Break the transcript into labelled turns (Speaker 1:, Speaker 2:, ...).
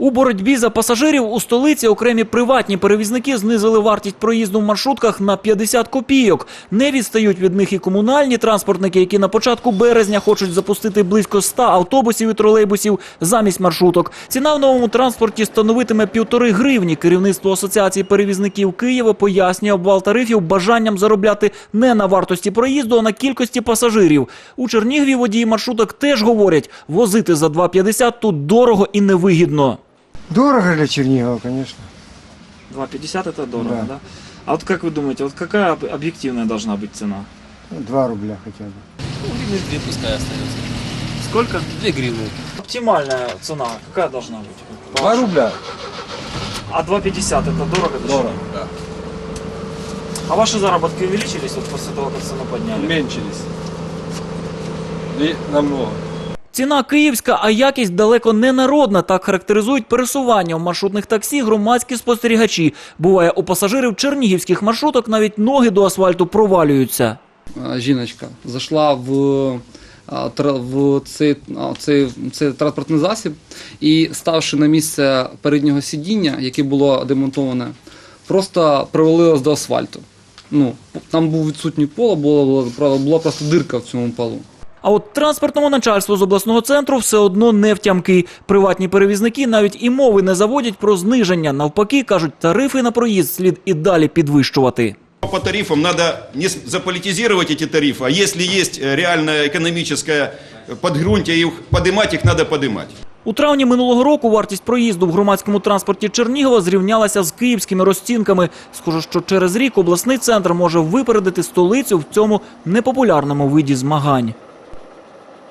Speaker 1: У боротьбі за пасажирів у столиці окремі приватні перевізники знизили вартість проїзду в маршрутках на 50 копійок. Не відстають від них і комунальні транспортники, які на початку березня хочуть запустити близько 100 автобусів і тролейбусів замість маршруток. Ціна в новому транспорті становитиме 1,5 гривні. Керівництво Асоціації перевізників Києва пояснює обвал тарифів бажанням заробляти не на вартості проїзду, а на кількості пасажирів. У Чернігові водії маршруток теж говорять, возити за 2,50 тут дорого і невигідно.
Speaker 2: Дорого для Чернигова, конечно.
Speaker 3: 2,50 это дорого,
Speaker 2: Да.
Speaker 3: да? А вот как вы думаете, вот какая объективная должна быть цена?
Speaker 2: 2 рубля хотя бы.
Speaker 4: Ну, гривны 2 пускай остается.
Speaker 3: Сколько?
Speaker 4: 2 гривны.
Speaker 3: Оптимальная цена какая должна быть?
Speaker 4: 2 рубля.
Speaker 3: А 2,50 это дорого?
Speaker 4: Дорого, да.
Speaker 3: А ваши заработки увеличились вот после того, как цену подняли?
Speaker 4: Уменьшились. И намного.
Speaker 1: Ціна київська, а якість далеко не народна. Так характеризують пересування в маршрутних таксі громадські спостерігачі. Буває, у пасажирів чернігівських маршруток навіть ноги до асфальту провалюються.
Speaker 5: Жіночка зайшла в цей транспортний засіб і, ставши на місце переднього сидіння, яке було демонтоване, просто привалилась до асфальту. Ну, там був відсутній поло, була просто дирка в цьому полу.
Speaker 1: А от транспортному начальству з обласного центру все одно не втямки. Приватні перевізники навіть і мови не заводять про зниження. Навпаки, кажуть, тарифи на проїзд слід і далі підвищувати.
Speaker 6: По тарифам надо не заполитизировать эти тарифы, а если есть реальное экономическое подґрунтие, поднимать их надо поднимать.
Speaker 1: У травні минулого року вартість проїзду в громадському транспорті Чернігова зрівнялася з київськими розцінками. Схоже, що через рік обласний центр може випередити столицю в цьому непопулярному виді змагань.